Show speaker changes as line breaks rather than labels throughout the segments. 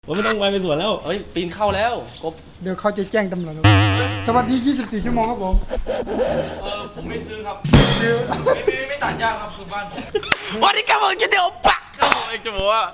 ว่าไม่ต้องไปสวนแล้วเอ้ยปีนเข้าแล้วกบ
เดี๋ยวเขาจะแจ้งตำรวจสวัสดี24 ชั่วโมงครับผม
ผมไม่ซื้อครับ
ซื้อ
ไม่ตัดยากครับคือบ้านผม
วันนี้กำลังจะเดี๋ยวปักครับผมเองจะบอกว่า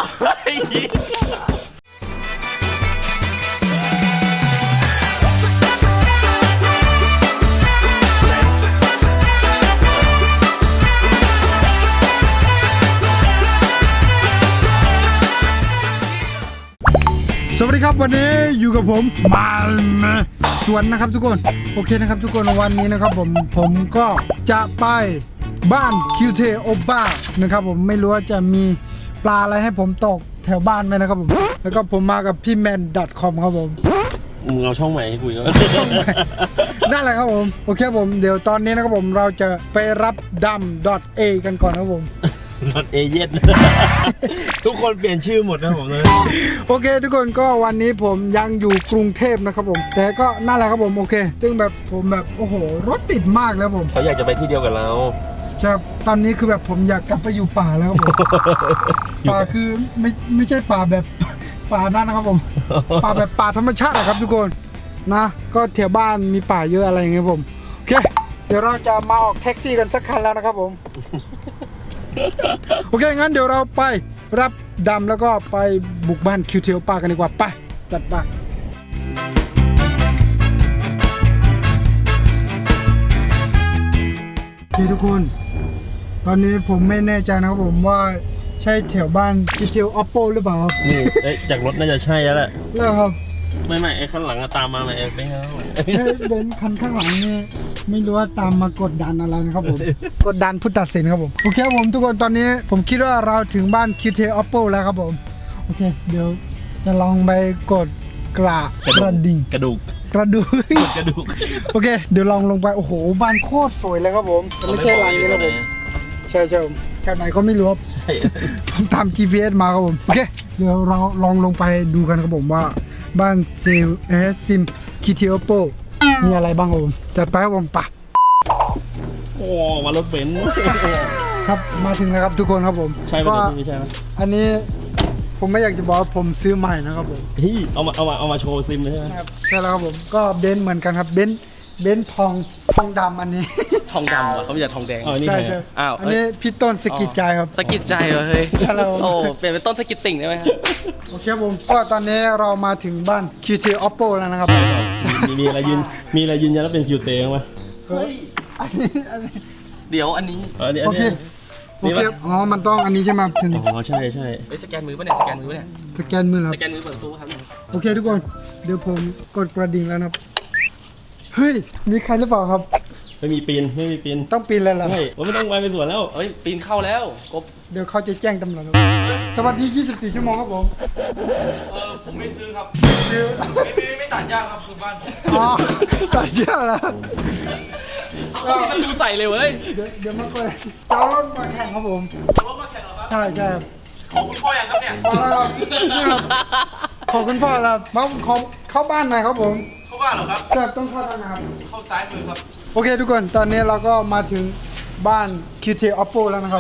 สวัสดีครับวันนี้อยู่กับผมมาสวนนะครับทุกคนโอเคนะครับทุกคนวันนี้นะครับผมก็จะไปบ้านคิวเทโอบ้านะครับผมไม่รู้ว่าจะมีปลาอะไรให้ผมตกแถวบ้านไหมนะครับผมแล้วก็ผมมากับพี่แมน .com ครับผม
มึงเอาช่องใหม่ให้คุยกัน
นั่นแหละครับผมโอเคผมเดี๋ยวตอนนี้นะครับผมเราจะไปรับดำ .a กันก่อนครับผม
not เอเย่นทุกคนเปลี่ยนชื่อหมดนะผมเลย
โอเคทุกคนก็วันนี้ผมยังอยู่กรุงเทพนะครับผมแต่ก็นั่นแหละครับผมโอเคซึ่งแบบผมแบบโอ้โหรถติดมากแล้วผม
เขาอยากจะไปที่เดียวกับเรา
ครับตอนนี้คือแบบผมอยากกลับไปอยู่ป่าแล้วครับผมป่าคือไม่ใช่ป่าแบบป่านั่นนะครับผมป่าแบบป่าธรรมชาตินะครับทุกคนนะก็แถวบ้านมีป่าเยอะอะไรอย่างเงี้ยผมโอเคเดี๋ยวเราจะมาออกแท็กซี่กันสักคันแล้วนะครับผมโอเคงั้นเดี๋ยวเราไปรับดำแล้วก็ไปบุกบ้านคิวเทลป้ากันดีกว่าไปจัดไปทุกคนตอนนี้ผมไม่แน่ใจนะครับผมว่าใช่แถวบ้านคิวเทลออปโปหรือเปล่าครับ
นี่จากรถน่าจะใช่แล้วแหละ
แล้วครับ
ไม่ไอ้ข้างหลังตามมาไหมเองไม่เอา
เบนคันข้างหลังนี่ไม่รู้ว่าตามมากดดันอะไรนะครับผมกดดันผู้ตัดสินครับผมโอเคผมทุกคนตอนนี้ผมคิดว่าเราถึงบ้านคิวเทลออปโปแล้วครับผมโอเคเดี๋ยวจะลองไปกดกระดิ่ง
กระดูก
โอเคเดี๋ยวลองลงไปโอ้โหบ้านโคตรสวยเลยครับผมไม่ใช่หลังนี้นะผมใช่แถวไหนก็ไม่รู้ครับผมตาม GPS มาครับผมโอเคเดี๋ยวเราลองลงไปดูกันครับผมว่าบ้านซิมคิเทโอโปมีอะไรบ้างครับผมจัดไปครับผมปะ
โอ้มารถเบนซ์
ครับมาถึงแล้วครับทุกคนครับผม
ใช่ไหมไม่ใช่ไหม
อันนี้ผมไม่อยากจะบอกว่าผมซื้อใหม่นะครับผม
เอามาโชว์ซิมเลยใช่ไหม
ครับใช่แล้วครับผมก็เบนซ์เหมือนกันครับเบนซ์ทองดำอันนี้
ทองดำเหรอเขาไม่ใช่ทองแดง
ใช่
อ้าว
อันนี้พี่ต้นสกิดใจครับ
สกิดใจเหรอเฮ้ยโอ้เปลี่ยนเป็นต้นสกิดติ่งได้ไหมครับ
โอเคผมก็ตอนนี้เรามาถึงบ้าน QT Oppo แล้วนะครับ
มีอะไรยืนยันแล้วเป็น QT ไหม
เฮ้ยอันนี้
เดี๋ยวอันนี้
โอเคอ๋อมันต้องอันนี้ใช่ไหมถึง
อ๋อใช่สแกนมือป่ะเนี่ยสแกนมือเนี่ย
สแกนมือครับ
สแกนมือเปิดตู้ครับ
โอเคทุกคนเดี๋ยวผมกดกระดิ่งแล้วนะครับเฮ้ยมีใครหรือเปล่าครับ
ไม่มีปีน
ต้องปีนเลยเหรอ
ใช่ว่าไม่ต้องไปสวนแล้วเอ้ยปีนเข้าแล้วกบ
เดี๋ยวเขาจะแจ้งตำรวจสวัสดี24 ชั่วโมงครับผม
ผมไม่ซื้อครับ
ซื้อ
ไม่ตัดยากครับคือบ้านผม
อ๋อตัดเยอะแล้ว
มันดูใส่เลยเว้ย
เดี๋ยวมาเปิดจะเอารถมาแข่งครับผม
รถมาแข่งเหรอครับ
ใช่
ของคุณพ่ออย่างครับเนี่ย
ขอบคุณพ่อครับมาเข้าบ้านหน่อยครับผม
เข้าบ้านเหรอครับ
จะต้องเข้าทางไหนครับ
เข้าซ้ายมือครับ
โอเคทุกคนตอนนี้เราก็มาถึงบ้าน QT Oppo แล้วนะครับ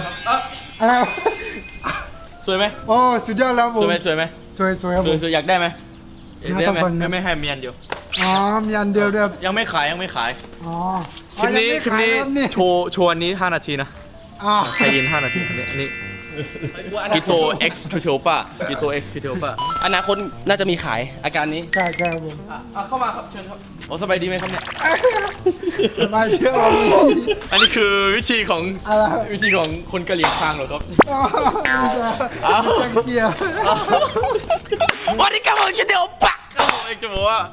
สวยไหม
โอ้สุดยอดแล้วผม
สวยไหม
สวยครับผม
สวยอยากได้ไหม
ได้ไหมไม่ให้เมียนเดียว
อ๋อมีอันเดียวเดียว
ยังไม่ขาย
อ๋อ
คลิปนี้โชว์อันนี้5 นาทีนะใครยิน5 นาทีอันนี้กิโต X คิวเทลป้ากิโต X คิวเทลป้า
อนาคตน่าจะมีขายอาการนี้
ใช่ครับผม
เข้ามาครับเชิญครับโอ้สบายดีไหมครับเนี่ย
สบายเชื่อผม
อันนี้คือวิธีของคนกะเหรี่ยงคางเหรอครับ
จังเกียร์
วันนี้กำลังจะเดี๋ยวปัก
ครับผมเองจะบอกว่า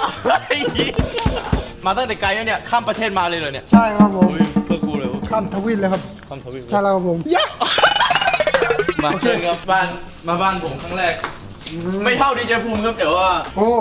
มาตั้งแต่ไกลแล้วเนี่ยข้ามประเทศมาเลยเหรอเนี่ย
ใช่ครับผม
เพื่อกูเลย
ข้ามทวีปเลยครับ
ข้ามทวีป
ใช่แล้วครับผม
มาเชิญครับบ้านผมครั้งแรกไม่เท่าดีเจภูมิครับแต่ว่า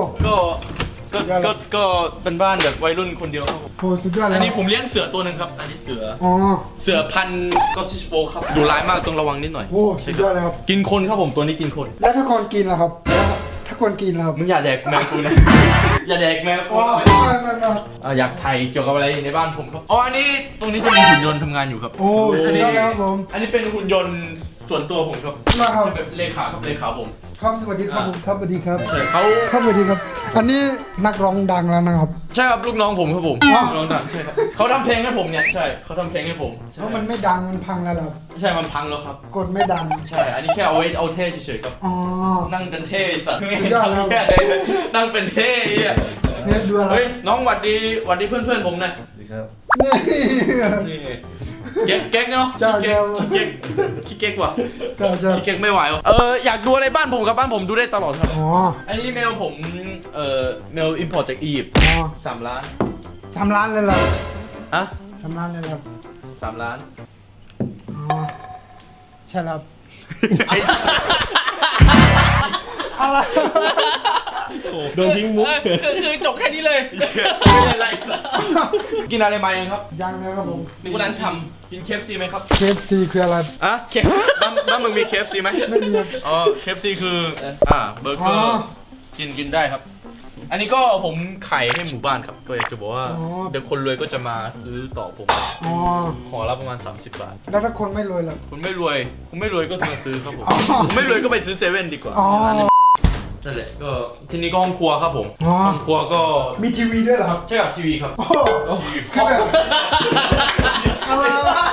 ก็เป็นบ้านแบบวัยรุ่นคนเดียวครับ
โอ้สุดยอดเลย
อันนี้ผมเลี้ยงเสือตัวหนึ่งครับอันนี้เสือพันธุ์สกอตติชโฟล์ครับดูร้ายมากต้องระวังนิดหน่อย
โอ้สุดยอดเลยครับ
กินคนครับผมตัวนี้กินคน
แล้วถ้าคนกินล่ะครับถ้าคนกินล่ะครับ
มึงอย่าแดกแมวกูนะอย่าแดกแมวกูอยากถ่ายเกี่ยวกับอะไรในบ้านผมครับอันนี้ตรงนี้จะมีหุ่นยนต์ทำงานอยู่ครับ
โอ้สุดยอดแล้วครับผม
อันนี้เป็นหุ่นยนต์ส่วนตัวผมครับแบบเลขาผม
ครับสวัสดีครับผมครับสวัสดีครับ
ใช่เขา
ครับสวัสดีครับ อันนี้นักร้องดังแล้วนะครับ
ใช่ครับลูกน้องผมครับผม
อ๋อ
ลูกน้องดังใช่ครับเขาทำเพลงให้ผมเนี่ยใช่เขาทำเพลงให้ผมใช่
เพราะมันไม่ดังมันพังแล้วเหรอ
ใช่มันพังแล้วครับ
กดไม่ดัง
ใช่อันนี้แค่เอาไว้เอาเท่เฉยๆครับ
อ๋อ
นั่งเป็นเท่สัตว์ไม่
สุดยอดแล้ว
ทำแค่เลยนั่งเป็นเท่เหี้ย
เนี่ยดูอะไร
เฮ้ยน้องหวัดดีหวัดดีเพื่อนๆผมหน่อย
นี่
นี่เก๊กเนาะ
ใช่ใช่
ขี้เก๊กว่ะ
ก็จะ
ขี้เก๊กไม่ไหวว่ะอยากดูอะไรบ้านผมกับบ้านผมดูได้ตลอดครับ
อ๋อ
อันนี้เมลผมเมลอิมพอร์ตจากอียิปต์
อ๋อ
3 ล้าน
3 ล้านเลยเหรอ
อะ
3 ล้านเลยเหรอ
3 ล้าน
อ๋อใช่แล้ว
ไอ้
อะไร
โดนทิ้งมุก
คือจบแค่นี้เลย
ไม่เป็นไรสัสกินอะไรมาเองครับ
ยังนะครับผม
มีคนนั้นช
กิน KFC ไหมครับ
KFC คืออะไร
อะบ้านมึงมี KFC ไหม
ไม่มีครับ
อ๋อ KFC คือเบอร์เก
อ๋
อ
อ
ร์กินได้ครับ อันนี้ก็ผมขายให้หมู่บ้านครับ ก็อยากจะบอกว่า
อ๋อ
เดี๋ยวคนรวยก็จะมาซื้อต่อผม
อ๋อ
ห่อละประมาณ 30 บาท
แล้วถ้าคนไม่รวยล่ะ
คุณไม่รวยก็ซื้อครับผม
อ๋อ
คุณไม่รวยก็ไปซื้อเซเว่นดีกว่า
อ๋อ
นั่นแหละก็ที่นี่ก็ห้องครัวครับผม
อ๋อ
ห้องครัวก็
มีทีวีด้วยเหรอครับ
ใช่กับทีวีครับ
โอ้โหคือแบบอะไรวะ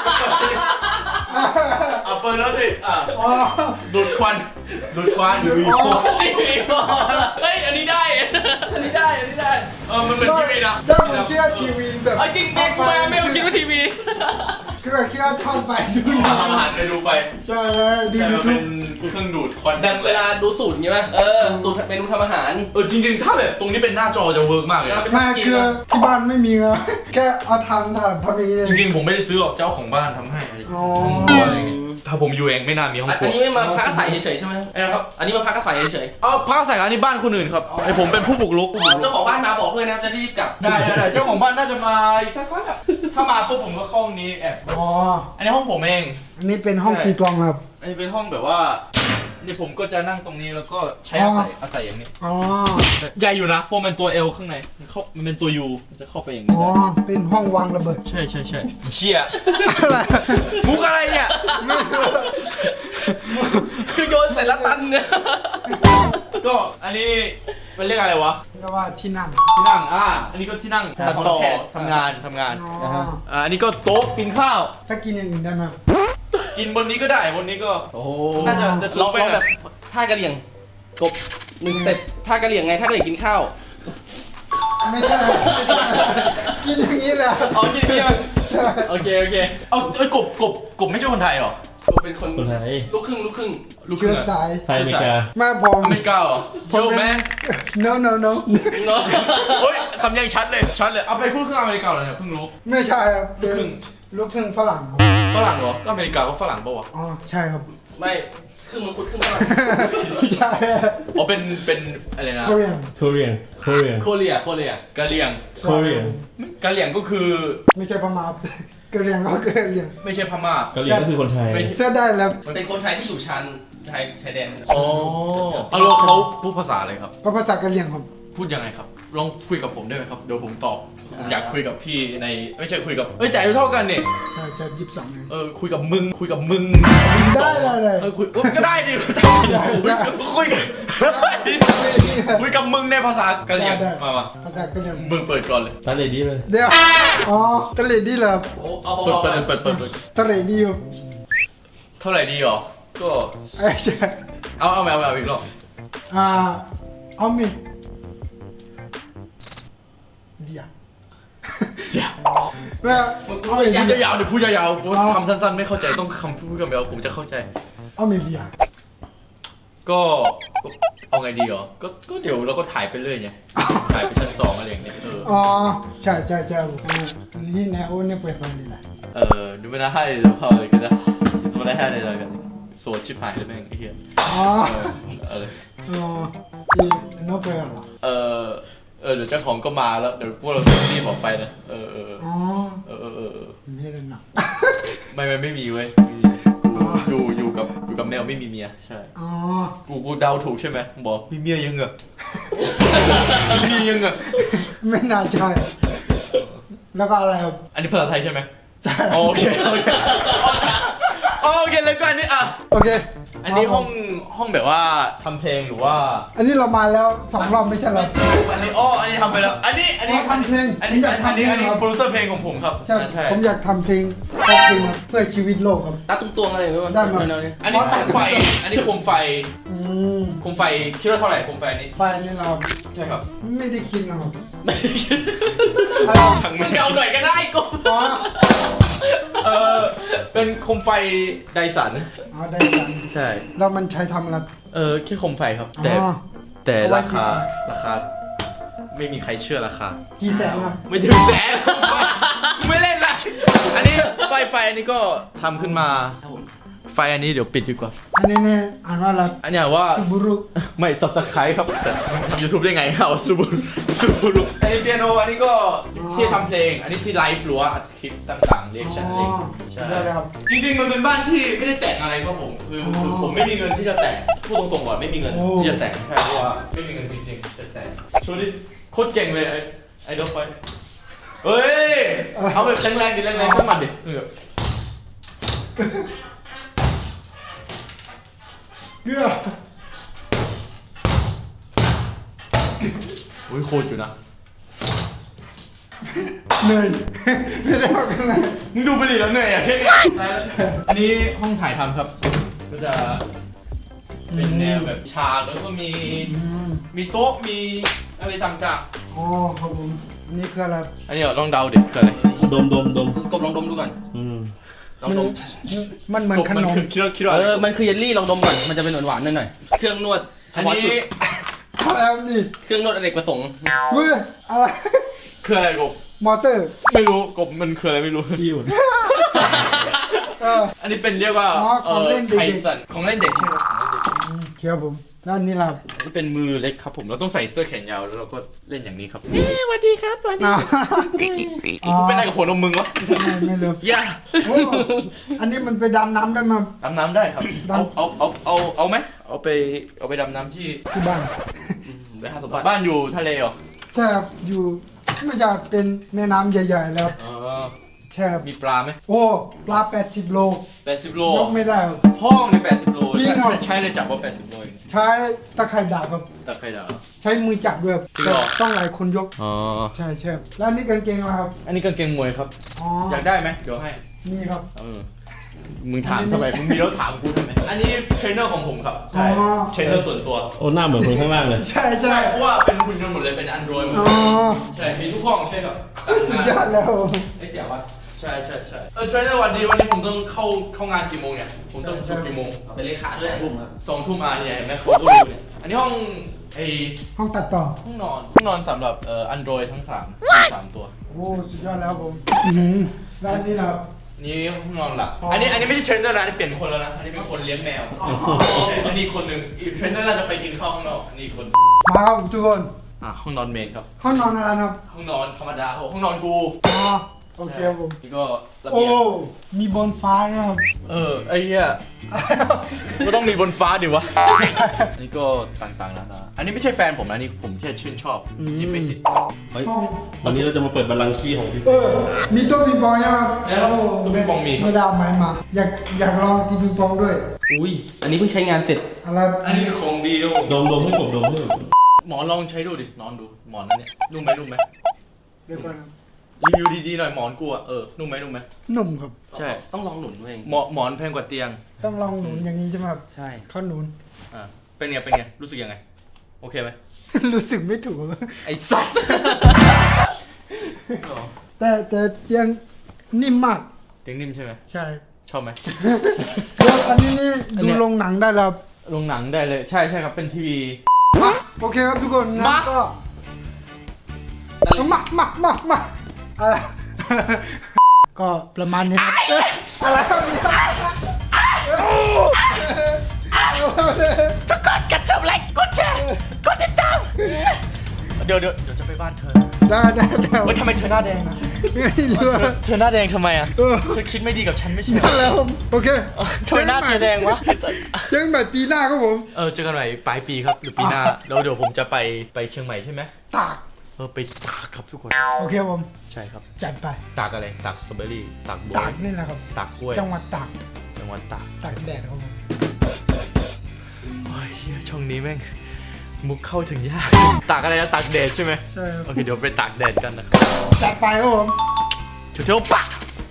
เปิดแล้วสิ
อ๋อ
ดูดควันดูดควัน
อ๋อ
ำทีวีเฮ้ย อันนี้ได้ อันนี้ได้ อันนี้ได้
มันเป็นทีวีนะ
ถ้าผมคิดว่าทีวีแบบ
เอาจริงแม่กูมาไม่เอาคิดว่าทีวี
คือแบบคิดว่าท่องไปดูหนั
ทำอาหารไปดูไป
ใช่เลยดู
ใช่
ยู
มัน
ทู
เป็
บ
นเครื่องดูดควัน
แบบเวลาดูสูตรใช่ไหมสูตรเมนูทำอาหาร
จริงๆถ้าแบบตรงนี้เป็นหน้าจอจะเวิร์กมากเลยนะ
ไม่คือที่บ้านไม่มีเงินแค่เอาทำอย่างนี้เอง
จริงๆผมไม่ได้ซื้อหรอกเจ้าของบ้านทำให้อะไรอย่างเงี้ย
อ๋อ
ห้องครัวอะไรอย่างเงี้ยถ้าผมอยู่เองไม่น่ามีห้องครั
อั
วน
นี้ไม่มาพักอาศัยเฉยๆใช่ไหมนะครับ อันนี้มาพักอาศัยเฉย
พักใส่อันนี้บ้านคนอื่นครับไอผมเป็นผู้บุกรุก
ๆเจ้าของบ้านมาบอกด้วยนะจะรีบกลับ
ได้เจ้าของบ้านน่าจะมาอีกสักพักอะถ้ามาปุ๊บผมก็เข้าห้องนี้แอบ
อ๋อ
อันนี้ห้องผมเอง
อันนี้เป็นห้องตีกลองครับ
อันนี้เป็นห้องแบบว่านี่ผมก็จะนั่งตรงนี้แล้วก็ใช้
อ๋อ
อาศัยอย่างนี้
อ๋อ
ใหญ่อยู่นะเพราะมันตัว L ข้างในมันเป็นตัว U มันจะเข้าไปอย่างนี้
อ๋อ
ได้
เป็นห้องวางระเบิด
ใช่เชี่ย
อะไร
มุกอะไรเนี่ย
ไม่รู้
คือโยนใส่ละตันเนี่ย
ก็อันนี้มันเรียกอะไรวะ
ก็ว่าที่นั่ง
ที่นั่งอันนี้ก็ที่นั่ง
ใช่
ตัดต่อทำงาน
อ๋อ
อันนี้ก็โต๊ะกินข้าว
ถ้ากินอย่างอื่นได้ไหม
กินบนนี้ก็ได้บนนี้ก็
โอ้
น่าจะ
ลองแบบท่ากระเหลี่ยงกบ1 สเต็ปท่ากระเหลี่ยงไงท่ากระเหลี่ยงกินข้าว
ไม่ใช่กินอย่างนี้แหละ
อ๋อกินเบียร์
ใช่
โอเค
เอากบไม่ใช่คนไทยเหรอ
กบเป็นคน
คนไทย
ลูกครึ่ง
ลูกค
เชื้
รึ่
อง
อะ
สาย
ไทยอเมริกา
แม่ผม
อเมริกาเหรอโยแมน
no no no
เนาะ
เฮ้ยสำเนียงชัดเลยเอาไปพูดเครื่องอเมริกาเหรอเนี่ยเพิ่งรู้
ไม่ใช่ครับ
ลูกครึ่ง
ลูกครึ่งฝรั่ง
ฝรั่งเหรอก็อเมริกาก็ฝรั่งปะวะ
อ๋อใช่ครับ
ไม่ครึ่งมังคุดครึ่งฝรั่ง
ใช่
อ๋อเป็นอะไรนะ
Korean
Korean
โคเรีย
กะเหรี่ยง
Korean
กะเหรี่ยงก็คือ
ไม่ใช่พม่า กะเหรี่ยงก็กะเหรี่ยง
ไม่ใช่พม่า
เกาหลีก็คือคนไทย
ไม่
เสื้อได้แล้ว
เป็นคนไทยที่อยู่ชายแดน
อ๋อเอาแล้วเขาพูดภาษาอะไรครับ
ก็ภาษากะเหรี่ยงครับ
พูดยังไงครับ ลองคุยกับผมได้ไหมครับ เดี๋ยวผมตอบผมอยากคุยกับพี่ในไม่ใช่คุยกับแต่อายุเท่ากันเนี่ย
ใช่ใช่22เอง
คุยกับมึง
ได้
คุยก็ได้ดิ
ได้
คุยกับมึงในภาษากะเหรี่ยง
ได้
มา
ภาษากะเหรี่ยง
มึงเปิดก่อนเลย
ตาเลดี้เลย
เดี๋ยวอ๋อกะเหรี่ยงดีเหรอ
โอ้เอา
เปิด
กะเหรี่ยงดีครับ
เท่าไหร่ดีหรอก็
ไอ้ใช่
เอาอีกรอบ
เอามีเดี๋ยว
เจ้า
แล้ว
พูดยาวๆเดี๋ยวพูดยาวๆเพราะว่าคำสั้นๆไม่เข้าใจต้องคำพูดคำยาวผมจะเข้าใจ
เอามีเดีย
ก็เอาไงดีหรอก็เดี๋ยวเราก็ถ่ายไปเรื่อยไงถ่ายไปชั้น 2อะไรอย่างเงี้ย
อ๋อใช่นี่แนวเนี่ยเปิดตรงนี้แหละ
ดูไม่น่าให้เลยพอเลยก็ได้สมมติได้ให้เลยแล้วกันโสดชิบหายเลยแม่งไอ้เหี้ย
อ๋อ
อะไร
อ๋อที่นกเปิดเหรอ
เดี๋ยวเจ้าของก็มาแล้วเดี๋ยวพวกเราจะรีบออกไปนะ
อ๋อนี่เลยหนัก
ไม่มีเว้ยอยู่กับแมวไม่มีเมียใช่
อ๋อ
กูเดาถูกใช่ไหมบอกมีเมียยังเหรอมีเมียยังเหรอ
ไม่น่าใช่แล้วก็อะไรครับ
อันนี้ภาษาไทยใช่ไหมโอเคเลยก็อันนี้อ่ะ
โอเค
อันนี้ห้องแบบว่าทำเพลงหรือว่า
อันนี้เรามาแล้ว2 รอบไม่ใช่เหรอ
อันนี้อันนี้ทำไปแล้ว อันนี้
ทำเพลง
อันนี้
ผมอยากทำเพลงครับ
โปรดิวเซอร์เพลงของผมครับ
ใช่
ใช่
ผมอยากทำเพลงครับเพื่อชีวิตโลกครับ
ตัดตุ้งตวงอะไรไหมวะ
ได้มา
แนวนี้
อันนี้โคมไฟ อันนี้โคมไฟ
อืม
โคมไฟคิดว่าเท่าไหร่โคมไฟนี้
ไฟนี่เรา
ใช่ครับ
ไม่ได้คิดนะครับ
ช่าง
มึ
แม่
งเอาหน่อยก็ได้กู
อ๋อ
เป็นโคมไฟไดสัน
อ๋อได้จัง
ใช่
แล้วมันใช้ทำอะไร
แค่โคมไฟครับ
อ๋อ
แต่
เอาไว้
ราคา ไม่มีใครเชื่อราคา
กี่แสนครับ
ไม่ถึงแสน ไม่เล่นละอันนี้ไฟอันนี้ก็ทำขึ้นมา ไฟอันนี้เดี๋ยวปิดดีกว่า
อันนี้เนี่ยอ่านว่าอะไร
อันเนี้ยว่า
ซูบูรุ
ไม่สับสไครครับแต่ทำยูทูบได้ไงเอาซูบูรุอันนี้เปียโนอันนี้ก็ที่ทำเพลง อันนี้ที่ไลฟ์หรือว่าอัดคลิปต่างๆเรียกชันเอง
ใช่ได้ครับ
จริงๆมันเป็นบ้านที่ไม่ได้แต่งอะไรครับผมคือผมไม่มีเงินที่จะแต่งพูดตรงๆก่อนไม่มีเงิน
โอ้
ที่จะแต่งแค่เพราะว่าไม่มีเงินจริงๆจะแต่งช่วงนี้โคตรเก่งเลยไอ้ดอกไฟเฮ้ยเอาแบบแรงๆดิแรงๆสักหมัดดิแบบ
เกลือ
อุ้ยโคตรอยู่นะ
เหนื่อยไม่ได้ออกกันเลย
มึงดูไปดิแล้วเหนื่อยอ่ะแค่นี้อันนี้ห้องถ่ายทำครับ ก็จะเป็นแนวแบบฉากแล้วก็มีโต๊ะมีอะไรต่าง
อ๋อครับผมอันนี้คืออะไร
ๆอันนี้ลองเดาดิคืออะไร
ดม
กบลองดมดูก่อน
อืม
ลองดม
มันเหมือนขนม
คิดว่าอะไร
มันคือเยลลี่ลองดมก่อน มันจะเป็นหวานๆหน่อยๆเครื่องนวดเฉ
อัน
พาะจุ
นี้
ด
อะไรครับนี่
เครื่องนวดอเนกประสงค์
เว้ยอะไร
คืออะไรกบ
มอเตอร์
ไม่รู้กบมันคืออะไรไม่รู้
ที่อยู่
อันนี้เป็นเรียกว่า
อ๋อของเล่นเด็ก
ไทสันของเล่นเด็กใช่ไหมของเล่นเด็ก
ครับผมแล้วอันนี้ล่ะ
อันนี้เป็นมือเล็กครับผมเราต้องใส่เสื้อแขนยาวแล้วเราก็เล่นอย่างนี้ครับสวัสดีครับสวัสดี
อ้าว
กูเป็นอะไรกับหัวนมมึงวะ
ไม่รู้
อย่า
โอ้อันนี้มันไปดำน้ำได้ไหม
ดำน้ำได้ครับ
ดำ
เอาไหมเอาไปดำน้ำที่
ที่บ้าน
ไปหาสมบัติบ้านอยู่ทะเลเหรอ
ใช่ครับอยู่ไม่ใช่เป็นแม่น้ำใหญ่ๆแล้ว
อ๋อ
ใช่ครับ
มีปลาไหม
โอ้ปลา80 โล
80 โล
ยกไม่ได้ครับ
ห้องใน80 โล
จริงเหรอ
ใช่เลยจับว่า80 โลเอง
ใช้ตะไคร่ดาบครับ
แต่ใครด่า
ใช้มือจับด้วยครับ
จริงเหรอ
ต้องหลายคนยก
อ๋อ
ใช่ใช่แล้วอันนี้กางเกงอะไรครับ
อันนี้กางเกงมวยครับ
อ๋อ
อยากได้ไหมเดี๋ยวให้
นี่ครับ
มึงถามทำไมมึงมีแล้วถามกูทำไมอันนี้เทรนเนอร์ของผมครับใช่
อ๋อ
เทรนเนอร์ส่วนตัว
โอ้หน้าเหมือนคนข้างล่างเลย
ใช่ใช่
ใช่เพราะว่าเป็นหุ่นยนต์หมดเลยเป็นอันดรอยหมด
อ๋
เล
อย
ใช่มีทุกห้องใช่ครับ
สุดยอดแล้ว
ไอ้เจ๋ววะใช่เทรนเนอร์วันนี้ผมต้องเข้างานกี่โมงเนี่ยผมต้องฝึกกี่โมง
เป็นเลขาด้วย
2 ทุ่มเนี่ยเห็นไหมเขาก็รู้เนี่ยอันนี้ห้องไอ
ห้องตัดต่อ
ห้องนอนสำหรับอันดรอยทั้ง3ตัว
โอ้สุดยอดแล้วผมอื้อหือแล้วอันนี้ล่ะครับ
นี่ห้องนอนหลัก
อ๋ออั
อันนี้ไม่ใช่เทรนเนอร์นะอันนี้เปลี่ยนคนแล้วนะอันนี้เป็นคนเลี้ยงแมวใช่อันนี้คนหนึ่งอีกเทรนเนอร์น่าจะไปกินข้าวข้างนอกอันนี้คน
มาครับทุกคน
ห้องนอนเมนครับ
ห้องนอนอะไรนะครับ
ห้องนอนธรรมดาห้องนอนกู
อ๋อโอเคครับผม
นี่ก็ระ
โอ้
เบียง
มีบนฟ้านะครับ
ไอ้เหี้ยก็ต้องมีบนฟ้าดิวะ อันนี้ก็ต่างๆแล้วนะอันนี้ไม่ใช่แฟนผมนะนี่ผมแค่ชื่นชอบที่ไปติด
เฮ้ย
ห้อง
วันนี้เราจะมาเปิดบัลลังก์ขี้ของพี่
มีโต๊ะปิงปองยังครับ
แล้วตู้ปิงปองมีครับ
ไม่ได้เอาไม้มา อยากลองตีปิงปองด้วย
อุ้ย อันนี้เพิ่งใช้งานเสร็จ
อะไร
อันนี้ของดีครับผม
ดมให้ผมดมให้ผม
หมอนลองใช้ดูดินอนดูหมอนนั่นเนี่ยนุ่มไหม
เดี๋ยวก่อนครับ
รีวิวดีๆหน่อยหมอนกูอ่ะนุ่มไหม
หนุ่มครับ
ใช่
ต้องลองหนุนด้วย
หมอนแพงกว่าเตียง
ต้องลองหนุนอย่างนี้ใช่ไหมครับ
ใช่
เข้าหนุน
เป็นไงรู้สึกยังไงโอเคไหม
รู้สึกไม่ถูก
ไอ้สัส
แต่ยังนิ่มมาก
เตียงนิ่มใช่ไหม
ใช่
ชอบไหม
แล้วอันนี้นี่
อัน
ดู
เนี้ย
โรงหนังได้แล้วครับ
โรงหนังได้เลยใช่ครับเป็นทีวี
โอเคครับทุกคนงั้น
มา
ก็มาอะไร ก็ประมาณนี้ครับเอ้ยอะไรครับเนี่ย
ทุกคนกดชมไลค์กดแชร์กดติดตามเดี๋ยวจะไปบ้านเธอ
ได้
ทำไมเธอหน้าแดงนะ
ไม่รู้
เธอหน้าแดงทำไมอ่ะ
เออ
เธอคิดไม่ดีกับฉันไม่ใช่เหร
นั่
อน
แหล้วโอเค
ทำไมหน้าเธอแดงวะ
เจอกันใหม่ปีหน้าครับผม
เจอกันใหม่ปลายปีครับหรือปีหน้าแล้วเดี๋ยวผมจะไปเชียงใหม่ใช่ไหม
ตาก
ไปตากครับทุกคน
โอเคครับผม
ใช่ครับ
จัดไป
ตากอะไรตากสตรอเบอรี่ตากบัว
ตากนี่แหละครับ
ตากกล้วย
จังหวัดตาก
จังหวัดตาก
ตากแดดครับผม
ช่องนี้แม่งมุกเข้าถึงยากตากอะไรนะตากแดดใช่ไหม
ใช่ครับ
โอเคเดี๋ยวไปตากแดดกันนะครับ
จัดไปครับผม
เดี๋ยวปะ